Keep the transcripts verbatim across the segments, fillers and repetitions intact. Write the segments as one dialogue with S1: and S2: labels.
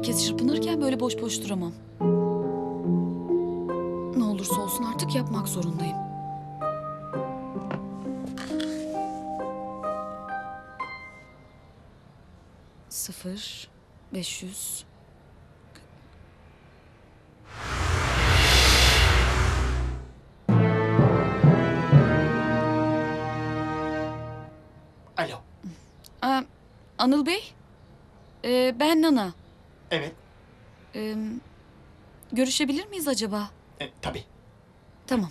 S1: Herkes çırpınırken böyle boş boş duramam. Ne olursa olsun artık yapmak zorundayım. Sıfır, beş yüz...
S2: Alo.
S1: Aa, Anıl Bey, ee, ben Nana.
S2: Evet.
S1: Ee, görüşebilir miyiz acaba?
S2: E, tabii.
S1: Tamam.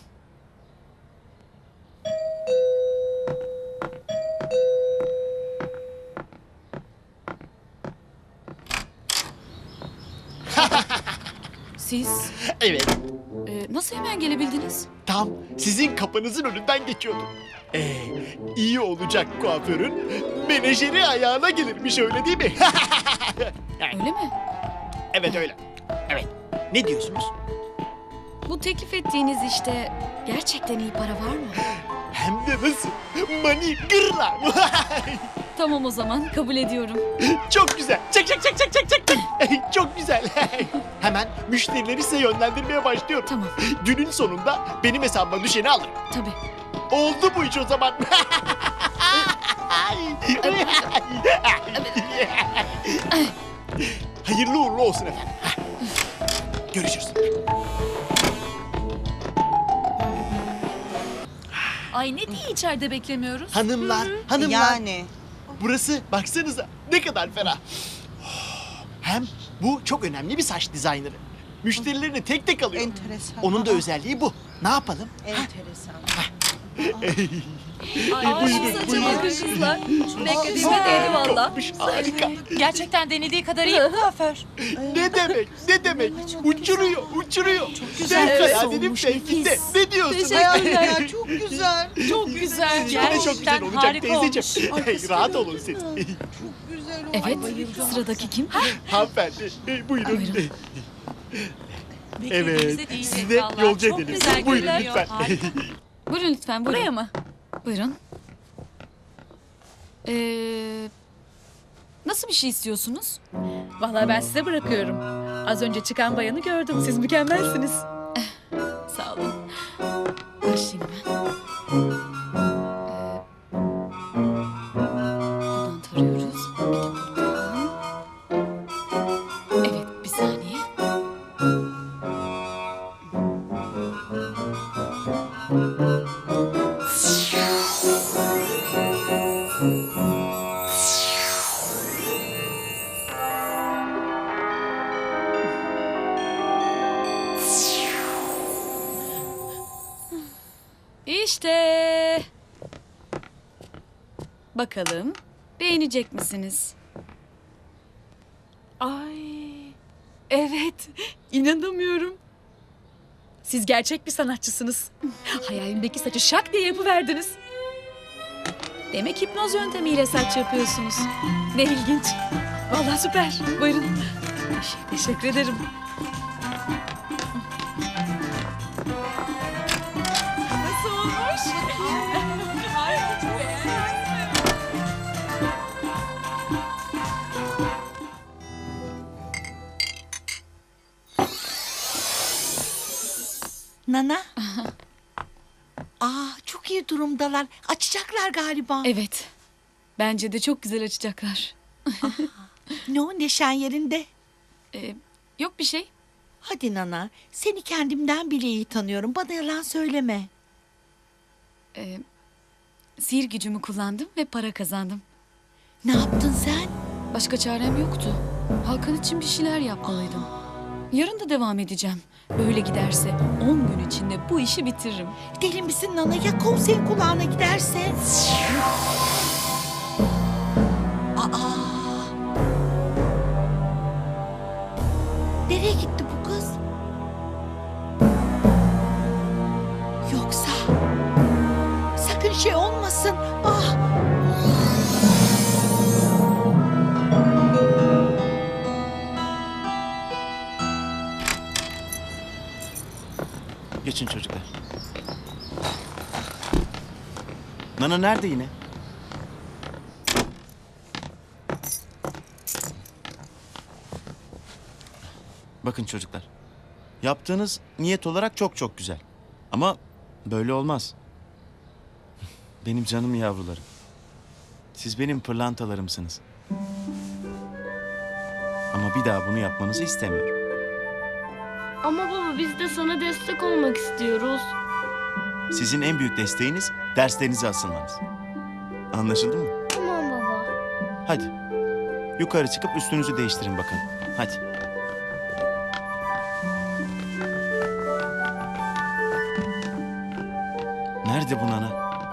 S1: Siz
S2: Evet.
S1: ee, nasıl hemen gelebildiniz?
S2: Tam sizin kapınızın önünden geçiyordum. Ee, iyi olacak kuaförün menajeri ayağına gelirmiş, öyle değil mi?
S1: Öyle mi?
S2: Evet öyle. Evet. Ne diyorsunuz?
S1: Bu teklif ettiğiniz işte gerçekten iyi para var mı?
S2: Hem de nasıl? Mani gırla.
S1: Tamam, o zaman kabul ediyorum.
S2: Çok güzel. Çek çek çek çek çek çek. çek. Çok güzel. Hemen müşterileri size yönlendirmeye başlıyorum.
S1: Tamam,
S2: Günün sonunda benim hesabıma düşeni alırım.
S1: tabii.
S2: Oldu bu iş o zaman. Hayırlı uğurlu olsun efendim. Görüşürüz.
S3: Ay ne diye içeride beklemiyoruz?
S2: Hanımlar, hanımlar.
S4: Yani.
S2: Burası baksanıza ne kadar ferah. Hem bu çok önemli bir saç dizayneri. Müşterilerini tek tek alıyor.
S4: Enteresan.
S2: Onun da özelliği bu. Ne yapalım?
S4: Enteresan.
S3: Ay,
S2: buyurun,
S3: saçıma
S2: buyurun.
S3: bakın kızlar. Beklediğime değdi valla.
S2: Olmuş, harika.
S3: Gerçekten denediği kadar iyi mi kuaför?
S2: Ne demek, ne demek? Uçuruyor, uçuruyor. Çok
S3: güzel. Evet,
S2: Fevkaladenin
S1: olmuş,
S2: fevkinde.
S1: nefis.
S2: Ne diyorsun?
S3: Teşekkürler.
S4: Ya çok güzel.
S3: Çok güzel.
S2: Sizinki de çok güzel
S3: Gerçekten
S2: olacak
S3: harika
S2: teyzeciğim.
S3: olmuş.
S2: Rahat olun siz.
S4: Çok güzel oldu.
S1: Evet, sıradaki kim?
S2: Hanımefendi, e, buyurun.
S1: Buyurun.
S2: Evet,
S3: Beklediğimize değecek
S2: sizi de
S3: vallahi.
S2: yolcu
S3: Çok
S2: edelim.
S3: güzel
S2: Buyurun
S3: görünüyor.
S2: lütfen.
S3: Harika.
S1: Buyurun lütfen, buyurun.
S3: Buraya mı?
S1: Buyurun. Ee, nasıl bir şey istiyorsunuz?
S3: Vallahi ben size bırakıyorum. Az önce çıkan bayanı gördüm. Siz mükemmelsiniz.
S1: Sağ olun. Başlayayım hemen. Ee, buradan tarıyoruz. Bir de buradan. Evet, bir saniye. İşte. Bakalım beğenecek misiniz?
S3: Ay. Evet. İnanamıyorum. Siz gerçek bir sanatçısınız. Hayalimdeki saçı şak diye yapıverdiniz. Demek hipnoz yöntemiyle saç yapıyorsunuz. Ne ilginç. Vallahi süper. Buyurun. Teşekkür ederim. Nasıl olmuş? Harika, çok beğendim.
S4: Nana. Aa çok iyi durumdalar. Açacaklar galiba.
S1: Evet. Bence de çok güzel açacaklar.
S4: Ne o neşen yerinde?
S1: Ee, yok bir şey.
S4: Hadi Nana. Seni kendimden bile iyi tanıyorum. Bana yalan söyleme.
S1: Ee, sihir gücümü kullandım ve para kazandım.
S4: Ne yaptın sen?
S1: Başka çarem yoktu. Hakan için bir şeyler yapmalıydım. Yarın da devam edeceğim. Böyle giderse on gün içinde bu işi bitiririm.
S4: Deli misin Nana? Ya konserin kulağına giderse? Aa. Nereye gitti bu kız? Yoksa sakın şey olmasın. Ah.
S5: Geçin çocuklar. Nana nerede yine? Bakın çocuklar. Yaptığınız niyet olarak çok çok güzel. Ama böyle olmaz. Benim canım yavrularım. Siz benim pırlantalarımsınız. Ama bir daha bunu yapmanızı istemiyorum.
S6: Ama baba biz de sana destek olmak istiyoruz.
S5: Sizin en büyük desteğiniz derslerinize asılmanız. Anlaşıldı mı?
S6: Tamam baba.
S5: Hadi. Yukarı çıkıp üstünüzü değiştirin bakın. Hadi. Nerede bu nana?